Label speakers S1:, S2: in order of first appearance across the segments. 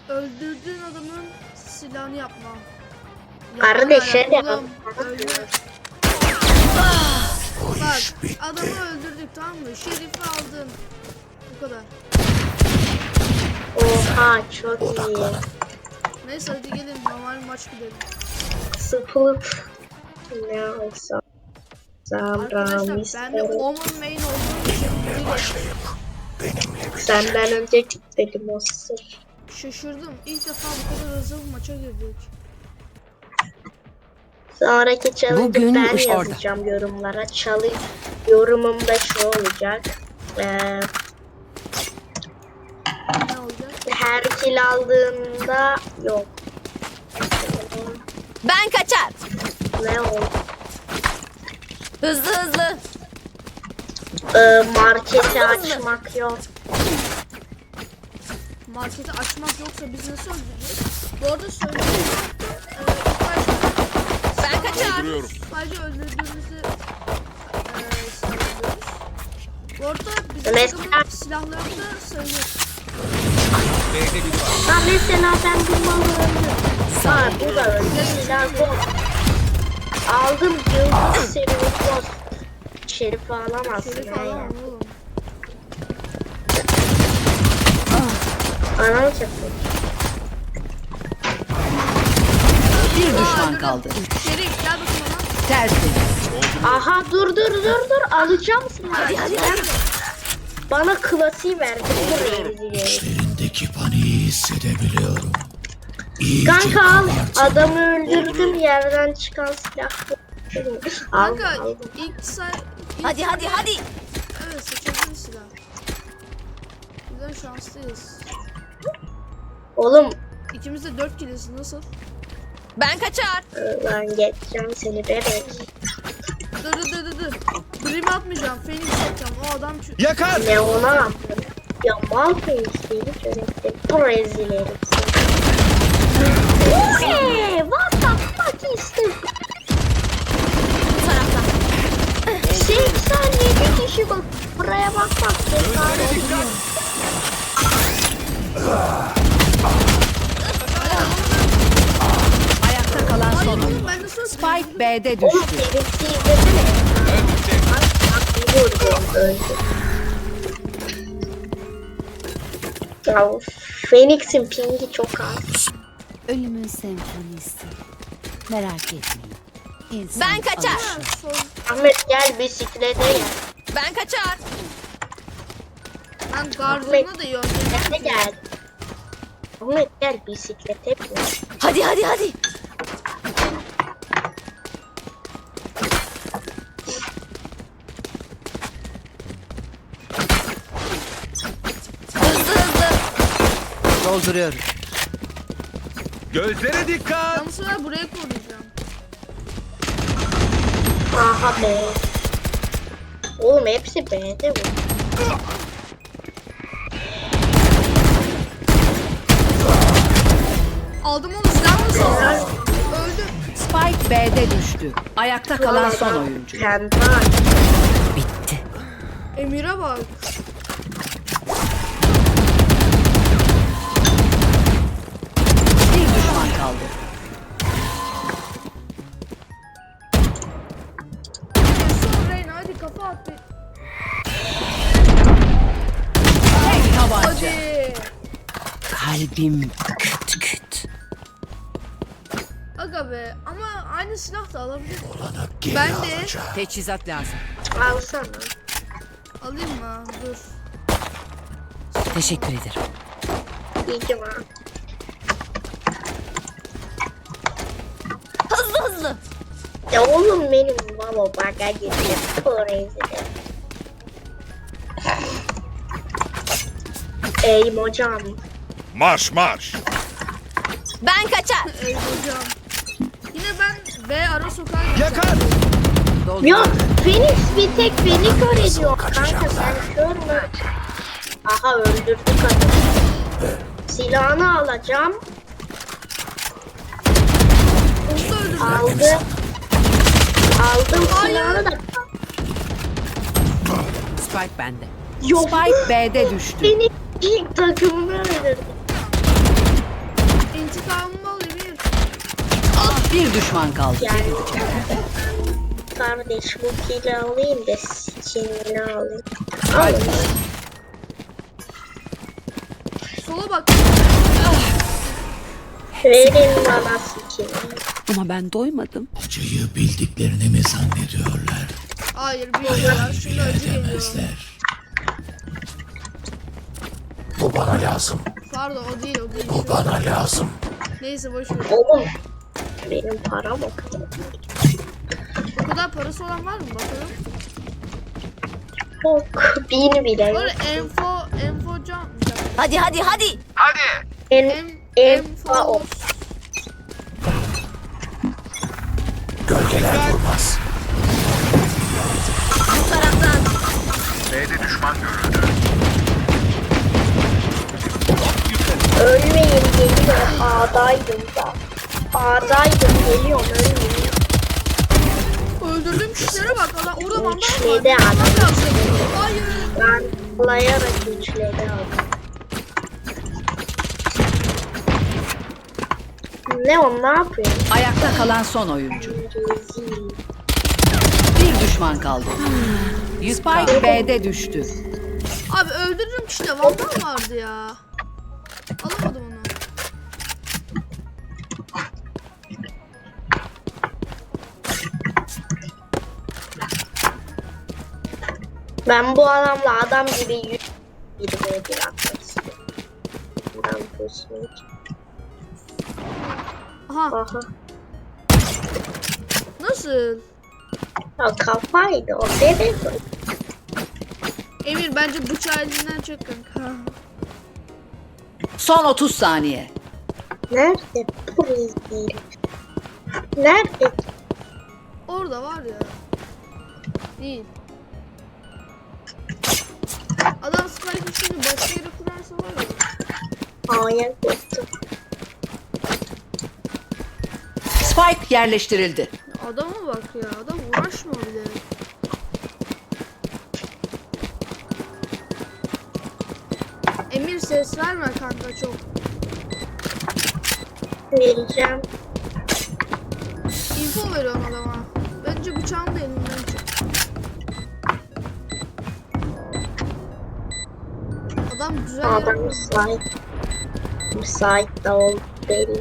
S1: öldürdüğün adamın silahını yapma.
S2: Kardeşe de
S1: Bak adamı öldürdük, tamam mı? Şerifi aldın. Bu kadar.
S2: Oha çok iyi.
S1: Neyse hadi gelin normal maç gidelim.
S2: Sıfır. Ne olsa.
S1: Arkadaşlar ben de Omen main olduğum için
S2: Senden önce gittim o sır.
S1: şaşırdım. İlk defa bu kadar hızlı bir maça girdik.
S2: Sonraki challenge'ı ben
S3: orada.
S2: yazacağım yorumlara. Yorumum da şu olacak.
S1: Ne olacak?
S2: Her kill aldığında yok.
S3: Ben kaçar.
S2: Ne oldu?
S3: Hızlı hızlı.
S2: Marketi açmak yok.
S1: Marketi açmak yoksa biz nasıl öldüreceğiz? Bu arada söyleyeyim.
S3: Ben kaçar.
S1: Sadece öldürdüğümüzü sayıyoruz. Bu arada bizim
S2: Mesela-
S1: takımın silahları da sayılır.
S2: Ha mesela ben bu malı öldüm. Ha bu da öldü. Silah bu. Aldım yıldız serimiz. Şerif alamazsın.
S1: Şerif alamam oğlum.
S2: Anam çaktı.
S3: Bir düşman kaldı.
S1: Şerif gel bakayım bana.
S3: Tertemiz.
S2: Aha dur alacağım seni. Hadi. Bana klasiği verdi.
S4: İçlerindeki paniği hissedebiliyorum. İyice
S2: Kanka al.
S4: kabartın.
S2: Adamı öldürdüm yerden çıkan silah. Al.
S1: Kanka ilk
S3: Hadi.
S1: evet seçebiliriz silah. Güzel şanslıyız.
S2: Oğlum
S1: İkimiz de 4 kiliz nasıl?
S3: Ben kaçar.
S2: ben geçeceğim seni bebek.
S1: Dur. Dream atmayacağım. Phoenix atacağım. O adam
S4: Yakar!
S2: Ne ona yaptın? Ya mal Phoenix'liğini çörektim. Bu rezil herif. What the fuck is this?
S3: Bu taraftan.
S2: 87 kişi bak. Buraya bak.
S3: Ayakta kalan son oyun.
S1: ben nasıl
S3: Spike B'de
S2: Oğlum
S3: düştü.
S2: Phoenix'i izlesene. Bak vurdum öldü. Ya Phoenix'in pingi çok az.
S5: Ölümün senfonisi. Merak etmeyin. İnsan
S3: Ben kaçar.
S5: alışır.
S2: Ahmet gel bisiklete gel.
S3: Ben kaçar.
S1: Ben gardına da iyi
S2: Bisiklete gel. Ahmet gel bisiklete bin.
S3: Hadi. Hızlı.
S5: Dolduruyorum.
S4: Gözlere dikkat!
S1: Ben bu sefer buraya koruyacağım.
S2: Aha be. Oğlum hepsi B'de bu.
S1: Aldım onu, silah mı saldın? Öldüm.
S3: Spike B'de düştü. Ayakta kalan son oyuncu.
S2: Kendi
S3: Bitti.
S1: Emir'e bak.
S3: Bir düşman kaldı.
S1: Son Reyna hadi kafa at bir.
S3: Tek tabanca.
S1: Hadi.
S3: Kalbim küt küt.
S1: Aga be ama aynı silah da alabilir.
S4: Olanı geri
S1: Ben de
S4: alacağım.
S3: Teçhizat lazım.
S2: alsana.
S1: alayım mı? Dur.
S3: Teşekkür ederim.
S2: İyi ki var.
S3: Hızlı.
S2: Ya oğlum benim baba baga gidiyor. Bu rezil. Ey hocam.
S4: Marş!
S3: Ben kaçar.
S1: Ey hocam. Yine ben B ara sokağa gideceğim.
S4: Yakar!
S2: Yok Phoenix bir tek beni kör ediyor kanka sen kör mü? Aha öldürdük adamı. Silahını alacağım.
S1: Onu da öldürdüm.
S2: Aldım silahını da.
S3: Spike bende.
S2: Yok
S3: Spike B'de düştü.
S2: beni ilk takımını öldürdü.
S3: Bir düşman kaldı.
S2: Yani kardeş bu kili alayım da skinini alayım. Alın.
S1: Sola bak.
S2: Verin bana skinini.
S5: Ama ben doymadım.
S4: Acıyı bildiklerini mi zannediyorlar?
S1: Hayır bilmiyorlar. Şimdi acı geliyor.
S4: Bilemezler. Bu bana lazım.
S1: Pardon o değil o değil.
S4: Bu bana lazım.
S1: Neyse boş ver.
S2: Oğlum benim param o kadar.
S1: O kadar parası olan var mı bakalım?
S2: Yok 1000 bile yok.
S1: Böyle info can.
S5: Hadi.
S1: Enfo.
S4: Gölgeler durmaz.
S2: Ölmeyin geliyor. A'daydım da. A'daydım geliyorum ölmeyin.
S1: Öldürdüğüm kişilere bak. Adam orada mandal var.
S2: Üçledi adam.
S1: Mandal lazım. Hayır.
S2: Ben layarak üçledi adam. Ne o ne yapıyor?
S3: Ayakta kalan son oyuncu.
S2: Rezil.
S3: Bir düşman kaldı. Spike B'de düştü.
S1: Abi öldürdüğüm kişide mandal vardı ya. Alamadım onu.
S2: Ben bu adamla adam gibi 121 atmak istiyorum. Ben pusmak.
S1: Aha.
S2: Aha.
S1: Nasıl?
S2: Ya kafaydı o bebek.
S1: Emir bence bıçağı elinden çek kanka.
S3: Son 30 saniye.
S2: Nerede bu rezil? Nerede?
S1: Orada var ya. Değil. Adam spike'ı şimdi başka yere kurarsa var ya.
S2: A'ya gittim.
S3: Spike yerleştirildi.
S1: Adama bak ya. Adam uğraşma bile. Emir ses verme kanka çok.
S2: Vereceğim.
S1: Info veriyorum adama. Bence bıçağını da elinden çek. Adam güzel
S2: Adam
S1: yapıyor.
S2: müsait. Müsait de oldu belli.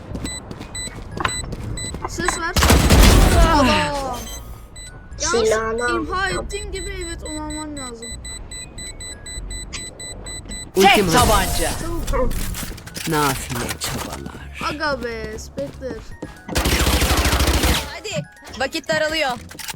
S1: Ses ver. Adam.
S2: Silahını
S1: Yalnız imha
S2: aldım.
S1: ettiğin gibi evet onu alman lazım.
S3: Tek tabanca.
S1: Çabuk.
S5: Nafile çabalar.
S1: Aga be Spectre.
S5: Hadi. Vakit daralıyor.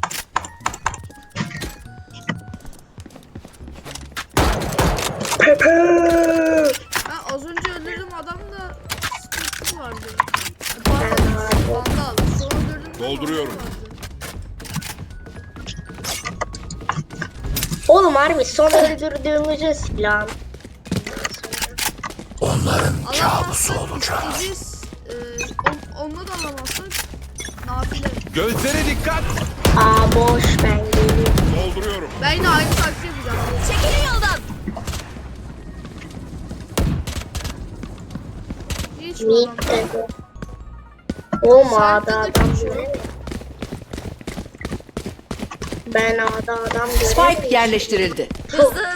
S1: Ben az önce öldürdüğüm adamda Spectre vardı. Pardon. Vandal. Sonra öldürdüğüm
S4: Dolduruyorum.
S1: Vandal vardı.
S2: Oğlum harbi son öldürdüğümüzün silahı.
S4: Onların kabusu
S1: Alamazsak
S4: olacağız.
S1: biz onunla da alamazsak nafile.
S4: Gözlere dikkat.
S2: Aa boş ben geliyorum.
S4: Dolduruyorum.
S1: Ben yine aynı taktiği yapacağım.
S5: Çekilin yoldan.
S1: Hiç mi
S2: Mid
S1: alamam?
S2: dedi. Oğlum
S1: Sen
S2: A'da
S1: de
S2: adam
S1: küçük.
S2: göremiyorum. Ben A'da adam
S3: Spike
S2: göremiyorum.
S3: yerleştirildi.
S5: Hızlı.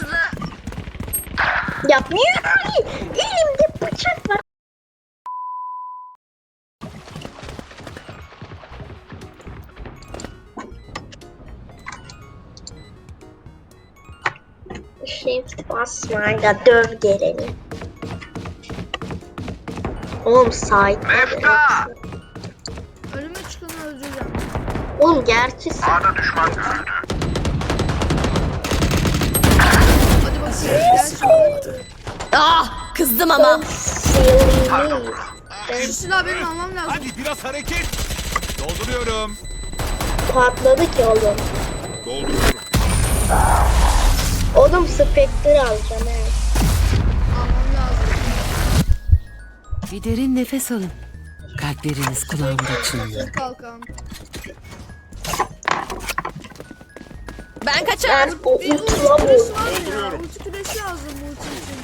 S2: Ya niye böyle? Elimde bıçak var. Shift basma da döv geleni. Oğlum sahip.
S1: Önüme çıkanı öldüreceğim.
S2: Oğlum gerçi
S1: Hadi bakayım. Gel şimdi.
S5: Ah, kızdım ama.
S2: silly.
S1: Şu silahı benim almam lazım.
S4: Hadi biraz hareket. Dolduruyorum.
S2: Patladı ki oğlum.
S4: Dolduruyorum.
S2: Oğlum Spectre alacağım evet.
S1: Almam lazım.
S5: Bir derin nefes alın. Kalpleriniz kulağımda çınlıyor.
S1: Dur kalkan.
S5: Ben kaçar.
S2: Ben o
S1: Bir ulti
S2: ultula
S1: küresi
S2: vurdum.
S1: var ya. Ulti küresi lazım ulti için.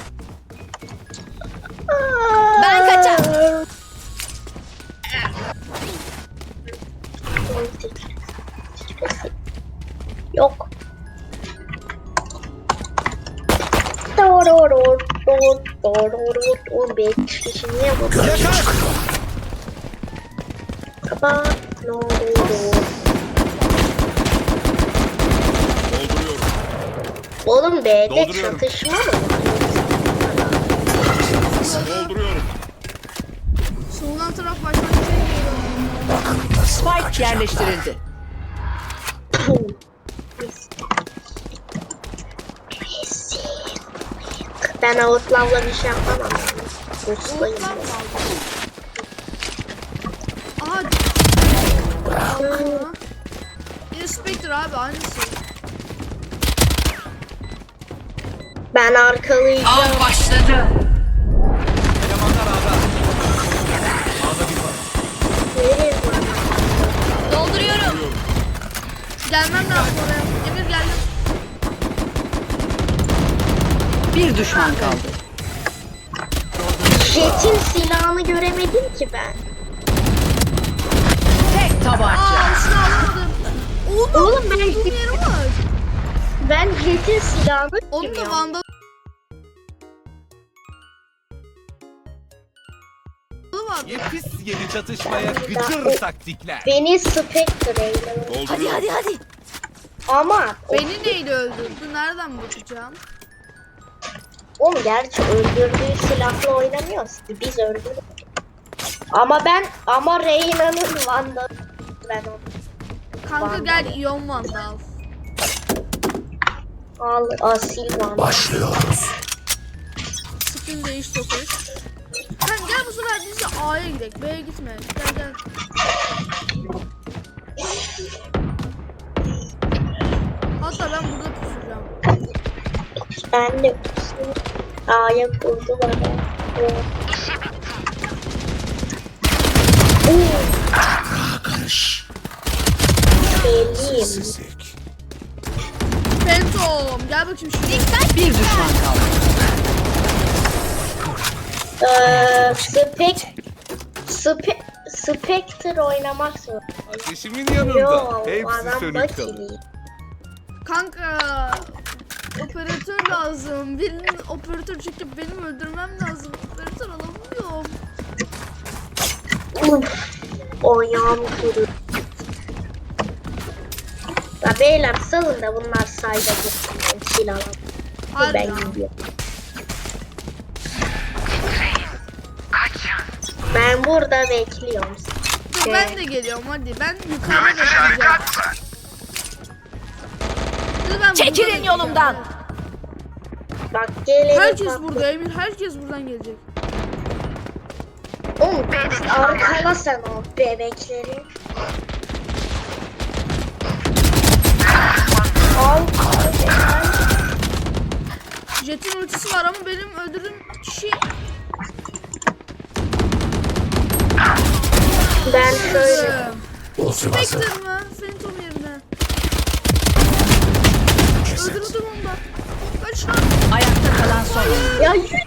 S5: Ben kaçar.
S2: O 5 kişi niye bu?
S4: Yakar.
S2: Kapat. Ne oldu?
S4: Dolduruyorum.
S2: Oğlum B'de
S4: Dolduruyorum.
S2: çatışma mı?
S4: Dolduruyorum.
S1: Soldan taraf baştan şey geliyor.
S3: Spike yerleştirildi.
S2: Ben Outlav'la bir şey yapamam. Ustayım.
S1: Bulutlar mı aldın? Aha. Aha. Yine Spectre abi aynısı.
S2: Ben arkalayacağım.
S3: Av başladı.
S4: Elemanlar ağda. Ağda bir var.
S2: Nereye var?
S5: Dolduruyorum.
S1: Gelmem lazım oraya. Emir geldim.
S3: Bir düşman kaldı.
S2: Jet'in silahını göremedim ki ben.
S3: Tek tabanca.
S1: Aa şunu alamadım.
S2: Oğlum ben,
S1: Bulduğum yeri var.
S2: ben Jet'in silahını
S1: Onun da
S2: görüyorum.
S1: vandalı var.
S4: Yepis yeni çatışmaya gıcır taktikler.
S2: Beni Spectre'yle.
S5: Hadi hadi hadi.
S2: Ama
S1: Beni neyle öldürdü? Nereden bakacağım?
S2: oğlum gerçi öldürdüğü silahla oynamıyoruz ki biz öldürdük. Ama Reyna'nın Van'da ben onu
S1: Kanka
S2: Vandal.
S1: gel İyon Vandal.
S2: al asil Van.
S1: Skin değiş tokuş. Sen gel bu sefer biz de A'ya gidelim. B'ye gitme. Gel gel. Hatta ben burada pusacağım.
S2: Ben de A'ya kurdular. Belliyim.
S1: Phantom gel bakayım şuraya.
S3: Bir düşman kaldı.
S2: Spectre oynamak zor.
S4: Ateşimin yanında.
S2: Yo,
S4: Hepsi
S2: adam
S4: sönük kalır.
S2: bakili.
S1: Kanka operatör lazım. Birinin operatör çekip benim öldürmem lazım. Operatör alamıyorum.
S2: Ayağım kırıyor. Ya beyler salın da bunlar sayda gitsin. Silah
S1: Harbi
S2: ben
S1: ya.
S2: gidiyorum. Ben burada bekliyorum.
S1: Dur ben de geliyorum hadi. Ben yukarıda bekleyeceğim. Dur, ben
S5: Çekilin
S1: burada
S5: yolumdan.
S2: Bak gelin.
S1: Herkes burada Emir. Herkes buradan gelecek.
S2: Oğlum arkala sen o bebekleri. Al.
S1: Jet'in ultisi var ama benim öldürdüğüm kişi
S2: Ben şöyle.
S1: Spectre mı? Phantom yerine. Öldürdüm onu da. Kaç lan?
S3: Ayakta kalan son oyuncu.
S2: Ya 120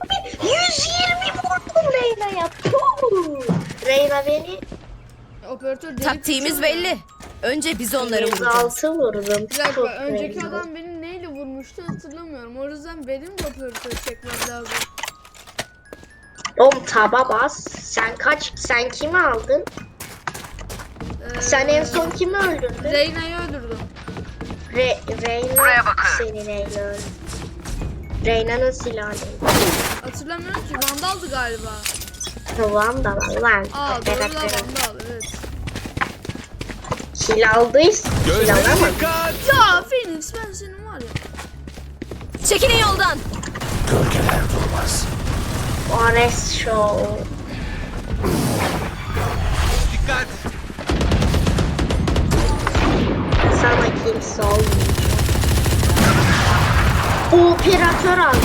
S2: vurdum Reyna'ya. Puh. Reyna beni
S1: Operatör delik
S5: Taktiğimiz
S1: tutuyor ya.
S5: belli. Önce biz onları vuracağız.
S2: 106 vurdum.
S1: Bir dakika
S2: Çok
S1: önceki
S2: Reyna.
S1: adam beni neyle vurmuştu hatırlamıyorum. O yüzden benim de operatör çekmem lazım.
S2: Oğlum taba bas. Sen kimi aldın? Sen en son kimi öldürdün?
S1: Reyna'yı öldürdüm.
S2: Reyna seni Reyna öldü. Reyna'nın silahı neydi?
S1: Hatırlamıyorum ki Vandal'dı galiba.
S2: Tamam da var lan.
S1: Aa doğru da Vandal evet.
S2: Kill aldıysa kill
S4: Gözlere
S2: alamam.
S4: dikkat.
S1: Ya Phoenix ben senin var ya.
S5: Çekilin yoldan.
S2: Ares Show.
S4: Dikkat.
S2: Sana kimse olmayacak. Operatör almış.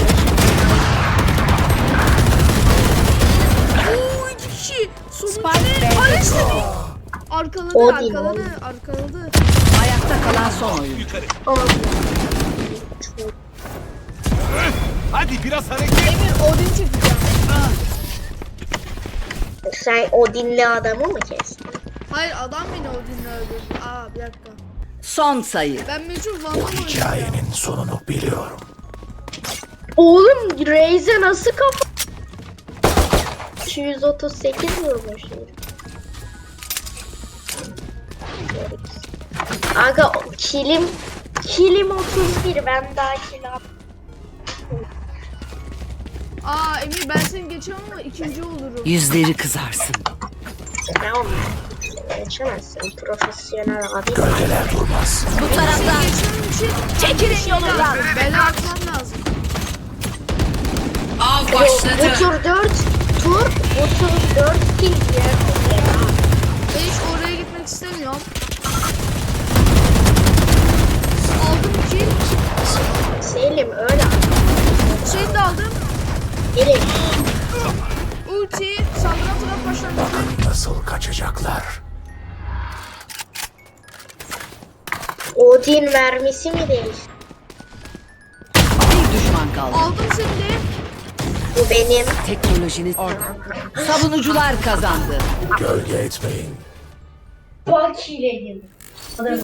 S1: Oo 2 kişi. Sonuncu
S3: Spike
S1: ne?
S3: B'de
S1: Ares
S3: düştü.
S1: Arkaladı
S2: Odin,
S1: arkaladı.
S3: Ayakta kalan son oyuncu.
S4: Yukarı.
S2: Olmuyor.
S4: Hadi biraz hareket.
S1: Emir Odin çekeceğim.
S2: Sen o dinli adamı mı kestin?
S1: Hayır adam beni Odin'le öldürdü. Aa bir dakika.
S3: Son sayı.
S1: Ben meçhul Vandal oynayacağım.
S2: Oğlum Raze'e nasıl kafa? 138 vurmuş. Aga kilim 31, ben daha kill
S1: Aa Emir ben seni geçemem ama ikinci olurum.
S3: Yüzleri kızarsın.
S2: Tamam. Geçemezsin. Profesyonel abi.
S5: Bu taraftan.
S1: Geçmem için
S5: Çekilin yolundan.
S1: bela atmam lazım.
S3: Av
S2: Bu tur 4 tur. Bu tur 4 kill diğer tur ya.
S1: Ben hiç oraya gitmek istemiyorum. Aldım kill.
S2: Selim öyle.
S1: Şey de aldım.
S2: Direkt.
S1: Ulti saldıran taraf başlangıcı.
S6: Nasıl kaçacaklar?
S2: Odin mermisi mi değişti?
S3: Bir düşman kaldı.
S1: Aldım seni de.
S2: Bu benim.
S3: Teknolojinin orada. Savunucular kazandı.
S6: Gölge etmeyin.
S2: Bak ile